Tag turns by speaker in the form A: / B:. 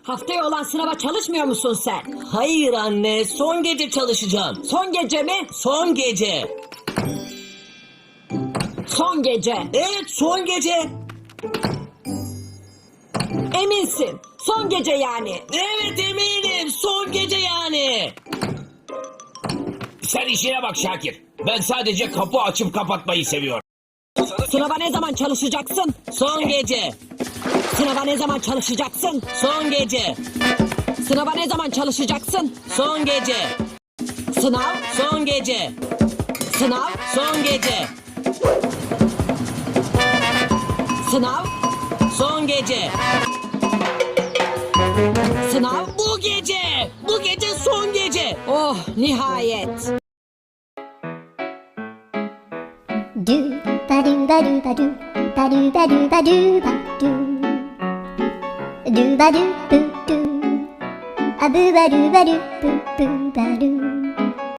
A: Haftaya olan sınava çalışmıyor musun sen?
B: Hayır anne, son gece çalışacağım.
A: Son gece mi?
B: Son gece.
A: Son gece.
B: Evet, son gece.
A: Eminsin. Son gece yani.
B: Evet eminim, son gece yani.
C: Sen işine bak Şakir. Ben sadece kapı açıp kapatmayı seviyorum.
A: Sınava ne zaman çalışacaksın?
B: Son gece.
A: Sınava ne zaman çalışacaksın?
B: Son gece.
A: Sınava ne zaman çalışacaksın?
B: Son gece.
A: Sınav,
B: Son gece.
A: sınav,
B: Son gece.
A: sınav,
B: Son gece.
A: sınav.
B: Bu gece. Bu gece son gece.
A: Oh, nihayet.
D: Do ba do ba do ba do ba do ba do ba do ba do do ba do boo do a boo ba do boo boo ba do